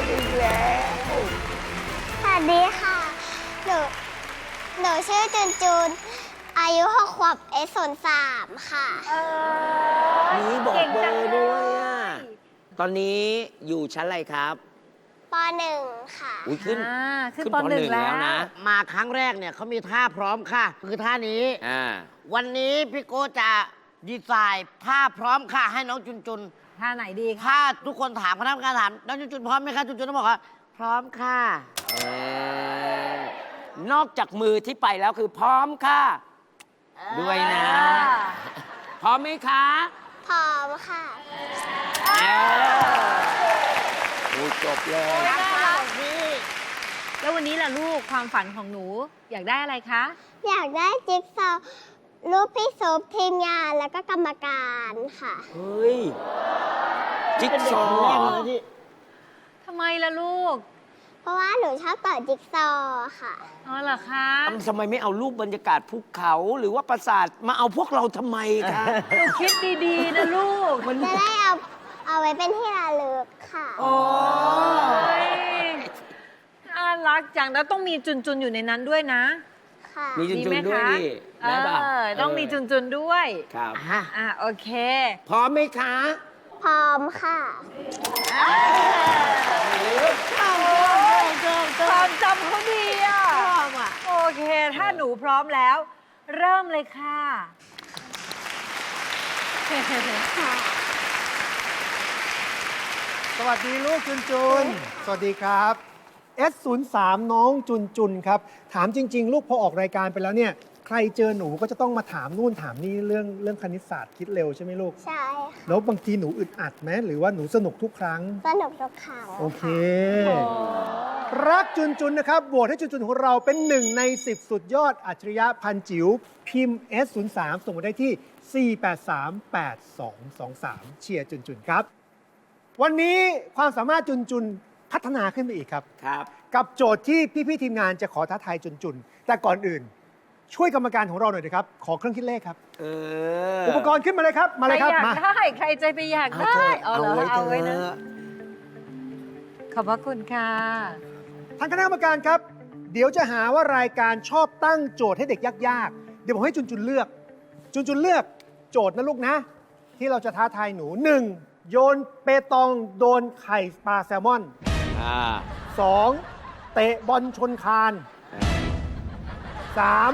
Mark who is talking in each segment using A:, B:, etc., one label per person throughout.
A: อีกแล้ว
B: สวัสดีค่ะ หนูชื่อจุนจุน อายุ6 ขวบS03ค่ะ
A: นี่บอกเบอร์ด้วยอ่ะ ตอนนี้อยู่ชั้นอะไรครับ
B: ป .1 ค่ะ
A: อุ้ยขึ้น
C: ขึ้นป .1 แล้ว
A: นะ
D: มาครั้งแรกเนี่ยเขามีท่าพร้อมค่ะ คือท่านี้ วันนี้พี่โก้จะดีไซน์ท่าพร้อมค่ะ ให้น้องจุนจุน
C: ท่าไหนดีคะ
D: ถ้าทุกคนถามคณะกรรมการถามน้องจุนจุนพร้อมไหมคะจุนจุนต้องบอกว่าพร้อมค่ะ
A: นอกจากมือที่ไปแล้วคือพร้อมค่ะ ด้วยนะ พร้อมไหมคะ
B: พร้อมค่ะ
A: ดูจบเลย
C: แล้ววันนี้ล่ะลูกความฝันของหนูอยากได้อะไรคะ
B: อยากได้จิ๊กซอว์รูปพี่ซุปทีมงานแล้วก็กรรมการค่ะ
A: เฮ้ย จิ๊กซอว์
C: ทำไมล่ะลูก
B: เพราะว่าหนูชอบต่อจิ๊กซอว์ค่ะ
C: อ๋อเหรอคะ
A: ทำไมไม่เอารูปบรรยากาศภูเขาหรือว่าปราสาทมาเอาพวกเราทำไมคะ
C: หนูคิดดีๆนะลูก
B: จะได้เอาไว้เป็นที่ระลึกค่ะ
C: โอ้ยน่ารักจังแล้วต้องมีจุนๆอยู่ในนั้นด้วยนะ
B: ค่ะ
A: มีจุน
C: ดี
A: จุ
C: ไหม
A: นด้วย
C: คะ
A: ดิได้ป่ะ
C: ต้องมีจุนๆด้วย
A: ครับ
C: โอเค
A: พร้อมไหมคะ
B: พร้อมค่ะ
C: ความจำเขาดีอ่ะโอเค ถ้าหนูพร้อมแล้ว เริ่มเลยค่ะ
E: สวัสดีลูกจุนจุน สวัสดีครับ S03 น้องจุนจุนครับ ถามจริง ๆ ลูกพอออกรายการไปแล้วเนี่ย ใครเจอหนูก็จะต้องมาถามนู่นถามนี่เรื่องคณิตศาสตร์คิดเร็วใช่ไหมลูก
B: ใช่ค่ะ
E: แล้วบางทีหนูอึดอัดไหมหรือว่าหนูสนุกทุกครั้ง
B: สนุกทุกครั้ง
E: โอเค รักจุนจุนนะครับโหวตให้จุนจุนของเราเป็น1 ใน 10 สุดยอดอัจฉริยะพันจิ๋วพิมพ์ S03 ส่งมาได้ที่ 4838223 เชียร์จุนจุนครับ วันนี้ความสามารถจุนจุนพัฒนาขึ้นไปอีกครับ
A: ครับ
E: กับโจทย์ที่พี่ๆทีมงานจะขอท้าทายจุนจุน แต่ก่อนอื่น ช่วยกรรมการของเราหน่อยนะครับ ขอเครื่องคิดเลขครับ อุปกรณ์ขึ้นมาเลยครับ มาเลยครับ
C: ใครอยาก
E: มา
C: ได้ ใครใจไปอยากได้ เอาเหรอเอาไว้นะ ขอบพระคุณค่ะ
E: ทางคณะกรรมการครับ เดี๋ยวจะหาว่ารายการชอบตั้งโจทย์ให้เด็กยากๆ เดี๋ยวผมให้จุนจุนเลือก จุนจุนเลือกโจทย์นะลูกนะ ที่เราจะท้าทายหนู 1. โยนเปตองโดนไข่ปลาแซลมอน 2. เตะบอลชนคาน 3.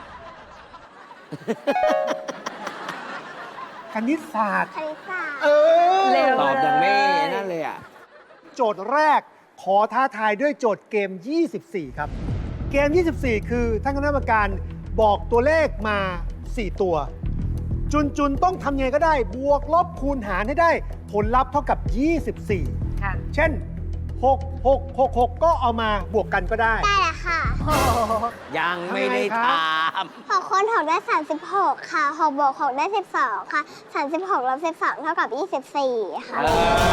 E: คณิตศาสตร์
B: คณิตศาสตร์
C: เร็ว
A: ตอบอย่างไม่นั่นเลยอ่ะ
E: โจทย์แรกขอท้าทายด้วยโจทย์เกม 24 ครับ เกม 24 คือท่านคณะกรรมการบอกตัวเลขมา 4 ตัว จุนต้องทำยังไงก็ได้ บวกลบคูณหารให้ได้ผลลัพธ์เท่ากับ 24
C: ค่ะ
E: เช่น 6 ก็เอามาบวกกันก็ได้
B: ได้แล้วค่ะ
A: ยังไม่ได้ถาม
B: 6 คูณ 6 ได้ 36 ค่ะ6 บวก 6 ได้ 12 ค่ะ 36 ลบ 12 เท่ากับ 24 ค่ะ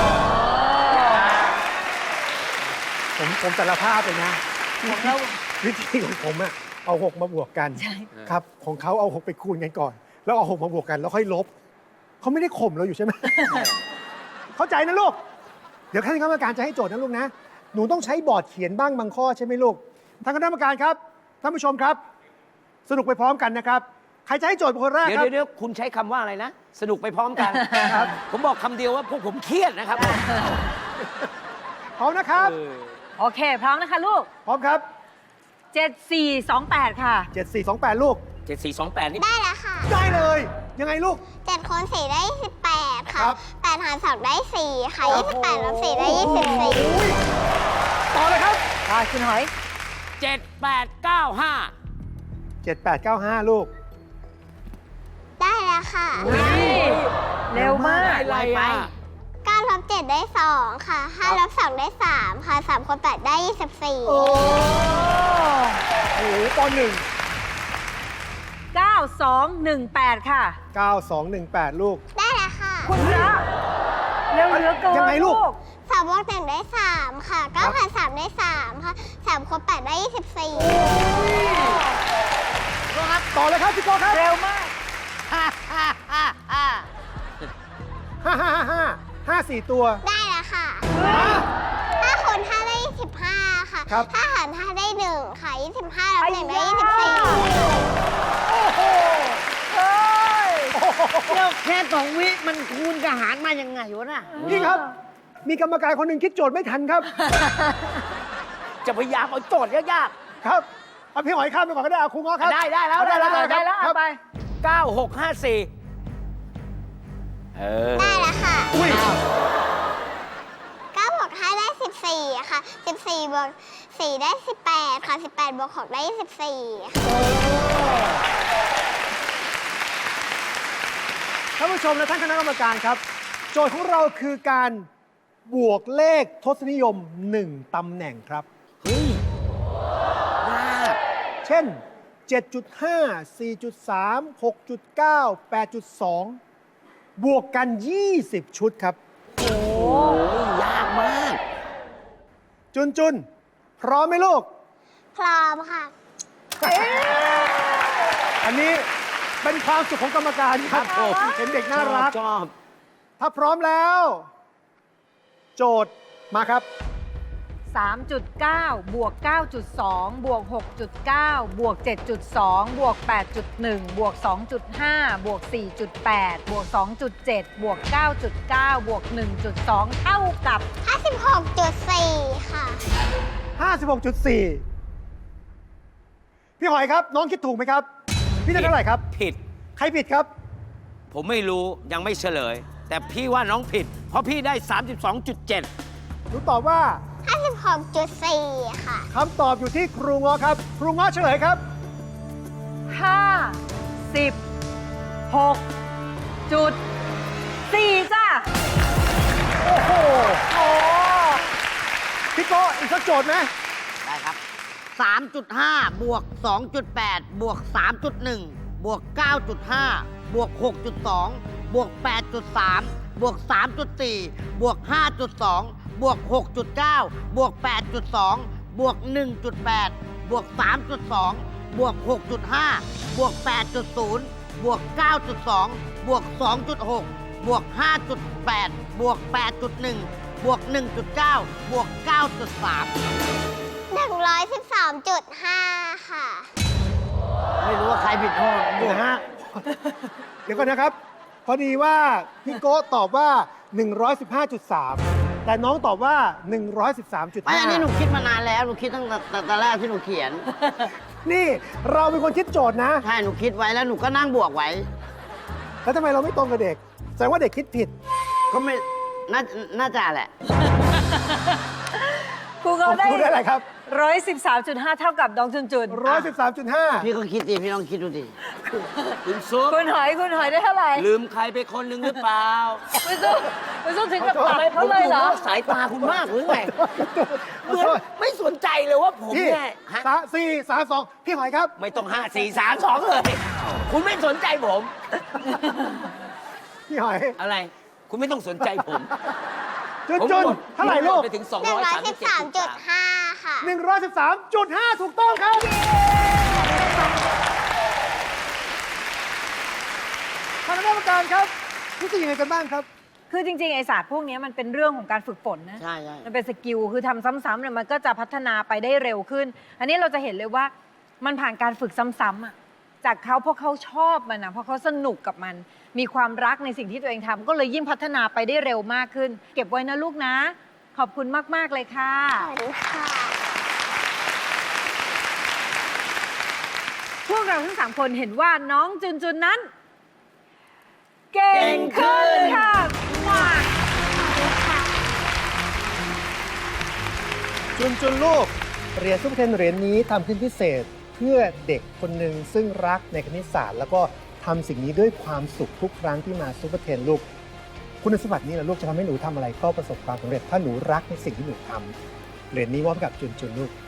E: ผมสารภาพเลยนะ วิธีของผมอะเอา 6 มาบวกกัน
C: ใช่
E: ครับ ของเขาเอา 6 ไปคูณกันก่อน แล้วเอา 6 มาบวกกัน แล้วค่อยลบ เขาไม่ได้ข่มเราอยู่ใช่ไหม เข้าใจนะลูก เดี๋ยวท่านคณะกรรมการจะให้โจทย์นะลูกนะ หนูต้องใช้บอร์ดเขียนบ้างบางข้อใช่ไหมลูก ท่านคณะกรรมการครับ ท่านผู้ชมครับ สนุกไปพร้อมกันนะครับ ใครจะให้โจทย์เป็นคนแรก
A: เดี๋
E: ครับ
A: ยวคุณใช้คำว่าอะไรนะ สนุกไปพร้อมกันครับ ผมบอกคำเดียวว่าพวกผมเครียดนะครับ
E: พร้อมนะครับ
C: โอเค พร้อมนะคะลูก
E: พร้อมครับ
C: 7428 ค่ะ
E: 7428 ลูก
A: 7428 นี่
B: ได้แล้วค่ะ
E: ได้เลย ยังไงลูก
B: 7 คูณ 4 ได้ 18 ค่ะ
E: ครับ
B: 8 หาร 2 ได้ 4 ค่ะ 28 ลบ 4 ได้
E: โอ้ยต่อเลยครับ
C: ค่ะคุณหอย
A: 7895
E: 7895 ลูก
B: 24 ได้แล้วค่ะ
C: เร็วมาก
A: อะไรอ่ะ
B: 9 ลบ 7 ได้ 2 ค่ะ 5 ลบ 2 ได้ 3 ค่ะ 3 คูณ 8 ได้ 24
E: โอ้โหป
C: 9218 ค่ะ
E: .1 9218 ลูก
B: ได้แล้วค่ะ
C: คุณพระเร็วเหลือเกิน
E: ยังไงลูก
B: 3 บวก 1 ได้ 3 ค่ะ9 หาร 3 ได้ 3 ค่ะ 3 คูณ 8 ได้ 24
E: ต่อเลยครับพี่โก้ครับ
C: เร็วมาก
E: 5 4 ตัว
B: ได้แล้วค่ะ5 คูณ
E: ครับ
B: ถ้าหาร5ได้ 1 ค่ะ 25ลบ1ได้
C: โอ้โหเฮ้ย
D: แล้วแค่2 วิมันคูณกับหารมายังไงวะน่ะ
E: พี่ครับ มีกรรมการคนหนึ่งคิดโจทย์ไม่ทันครับ
A: จะพยายามเอาโจทย์ยาก
E: ครับเอาพี่หอยข้ามไปก่อนก็ได้เอาครูง้อครับ
A: ได้แล้ว
E: ได้แล้ว
C: ได้แล้ว
E: ครั
C: เอา
E: บ
C: ไป
A: ๆ 9654
B: 14 ได้แล้วค่ะ
E: อุ้ย
B: 9บวก5ได้ 14 ค่ะ 14บวก4ได้ 18 ค่ะ 18บวก6ได้24 ค่ะ
E: ท่านผู้ชมและท่านคณะกรรมการครับ โจทย์ของเราคือการบวกเลขทศนิยม 1 ตำแหน่งครับ
A: เฮ้ยยาก
E: เช่น 7.5 4.3 6.9 8.2 บวกกัน 20 ชุดครับ
A: โอ้ยยากมาก
E: จุนพร้อมไหมลูก
B: พร้อมค่ะ
E: อันนี้เป็นความสุขของกรรมการครับ
A: ครับผม
E: เห็นเด็กน่ารัก
A: ชอบ
E: ถ้าพร้อมแล้ว โจทย์มาครับ
C: 3.9 บวก 9.2 บวก 6.9 บวก 7.2 บวก 8.1 บวก 2.5 บวก 4.8 บวก 2.7 บวก 9.9 บวก 1.2 เท่ากับ
B: 56.4 ค่ะ
E: 56.4 พี่หอยครับ น้องคิดถูกไหมครับ พี่ได้เท่าไหร่ครับ
A: ผิด
E: ใครผิดครับ
A: ผมไม่รู้ยังไม่เฉลย แต่พี่ว่าน้องผิด เพราะพี่ได้ 32.7
E: หนูตอบว่า
B: 56.4 ค่ะ
E: คำตอบอยู่ที่ครูง้อครับ ครูง้อเฉลยครับ
C: 56.4 จ้ะ
E: โอ้โห
C: โอ้
E: พี่โก้อีกสักโจทย์ไหม
D: ได้ครับ 3.5 บวก 2.8 บวก 3.1 บวก 9.5 บวก 6.2 บวก 8.3 บวก 3.4 บวก 5.2 บวก 6.9 บวก 8.2 บวก 1.8 บวก 3.2 บวก 6.5 บวก 8.0 บวก 9.2 บวก 2.6 บวก 5.8 บวก 8.1 บวก 1.9 บวก 9.3
B: 113.5 ค่ะ
D: ไม่รู้ว่าใครผิดข้อ
E: เดี๋ยวฮะ เดี๋ยวก่อนนะครับ พอดีว่าพี่โก้ตอบว่า 115.3 แต่น้องตอบว่า 113.5
D: ไม่อันนี้หนูคิดมานานแล้ว หนูคิดตั้งแต่แรกที่หนูเขียน
E: นี่เราเป็นคนคิดโจทย์นะ
D: ใช่ หนูคิดไว้แล้วหนูก็นั่งบวกไว้
E: แล้วทำไมเราไม่ตรงกับเด็ก แสดงว่าเด็กคิดผิด
D: ก็ไม่น่าจะแหละ
C: ครูเขาได้
E: ครูได้อะไรครับ
C: 113.5 เท่ากับน้องจุน
E: 113.5
D: พี่ก็คิดดิพี่ลองคิดดูดิ
A: คุณซุป
C: คุณหอยได้เท่าไหร่
A: ลืมใครไปคนหนึ่งหรือเปล่า
C: คุณซุปถึงกับตัดไปเขาเลยเหรอ
A: ผมดูสายตาคุณมากหรือไงเหมือนไม่สนใจเลยว่าผม
E: พี่
A: เนี่ยฮะ
E: 4-3-2 พี่หอยครับ
A: ไม่ต้อง 5 4 3 2 เลย คุณไม่สนใจผม
E: พี่หอย
A: อะไร คุณไม่ต้องสนใจผม
E: จุนเท่าไหร่ลูก
A: ไปถึง 237.3
B: 113.5 ค่ะ
E: 113.5 ถูกต้องครับท่านคณะกรรมการครับรู้สึกยังไงกันบ้างครับ
C: คือจริงๆ ไอศาสตร์พวกนี้มันเป็นเรื่องของการฝึกฝนนะ
D: ใช่ใช่
C: มันเป็นสกิล คือทำซ้ำๆเนี่ยมันก็จะพัฒนาไปได้เร็วขึ้น อันนี้เราจะเห็นเลยว่ามันผ่านการฝึกซ้ำๆอะจากเขาเพราะเขาชอบมันนะเพราะเขาสนุกกับมัน มีความรักในสิ่งที่ตัวเองทำก็เลยยิ่งพัฒนาไปได้เร็วมากขึ้น เก็บไว้นะลูกนะ ขอบคุณมากๆเลยค่ะ
B: สวัสดีค่ะ
C: พวกเราทั้ง3คนเห็นว่าน้องจุนนั้น เก่งขึ้นค่ะว้า
E: จุนลูกเหรียญซุปเปอร์เทนเหรียญนี้ทำขึ้นพิเศษเพื่อเด็กคนหนึ่งซึ่งรักในคณิตศาสตร์ แล้วก็ทำสิ่งนี้ด้วยความสุขทุกครั้งที่มาซุปเปอร์เทนลูก คุณสมบัตินี้แหละลูกจะทำให้หนูทำอะไรก็ประสบความสำเร็จถ้าหนูรักในสิ่งที่หนูทำเหรียญนี้มอบให้กับจุนลูก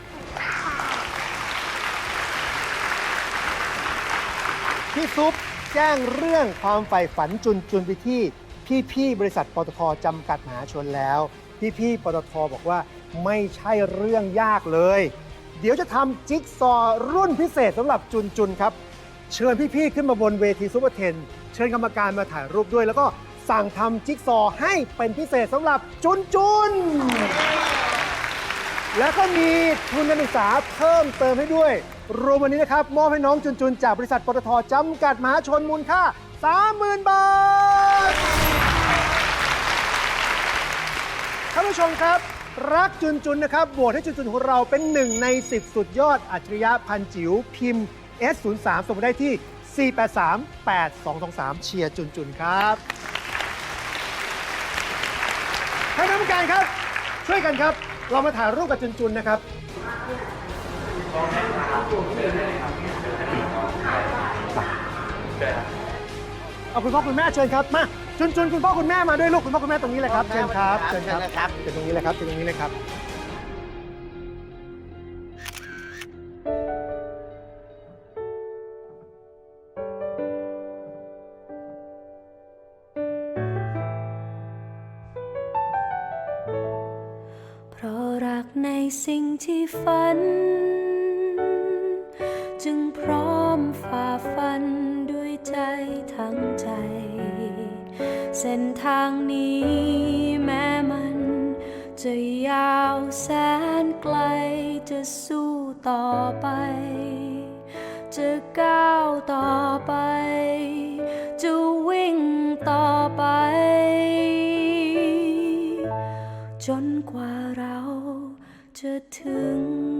E: พี่ซุปแจ้งเรื่องความใฝ่ฝันจุนไปที่พี่บริษัทปตทจำกัดมหาชนแล้วพี่ปตทบอกว่าไม่ใช่เรื่องยากเลย เดี๋ยวจะทำจิ๊กซอว์รุ่นพิเศษสำหรับจุนครับเชิญพี่ขึ้นมาบนเวทีซุปเปอร์เทนเชิญกรรมการมาถ่ายรูปด้วยแล้วก็สั่งทำจิ๊กซอว์ให้เป็นพิเศษสำหรับจุนแล้วก็มีทุนการศึกษาเพิ่มเติมให้ด้วย รวมวันนี้นะครับ มอบให้น้องจุนจากบริษัทปตทจำกัดมหาชนมูลค่า 30,000 บาท ท่านผู้ชมครับ รักจุนนะครับโหวตให้จุนของเราเป็น1 ใน 10 สุดยอดอัจฉริยะพันจิ๋วพิมพ์ S03 ส่งมาได้ที่ 4838223 เชียร์จุนครับท่านคณะกรรมการครับ ช่วยกันครับ เรามาถ่ายรูปกับจุนนะครับ เอาคุณพ่อคุณแม่เชิญครับ มาจุนคุณพ่อคุณแม่มาด้วยลูกคุณพ่อคุณแม่ตรงนี้เลยครับ เชิญครับเชิญครับเชิญตรงนี้เลยครับเชิญตรงนี้เลยครับ
F: เพราะรักในสิ่งที่ฝัน จึงพร้อมฝ่าฟันด้วยใจทั้งใจ เส้นทางนี้แม้มันจะยาวแสนไกลจะสู้ต่อไป จะก้าวต่อไป จะวิ่งต่อไป จนกว่าเราจะถึง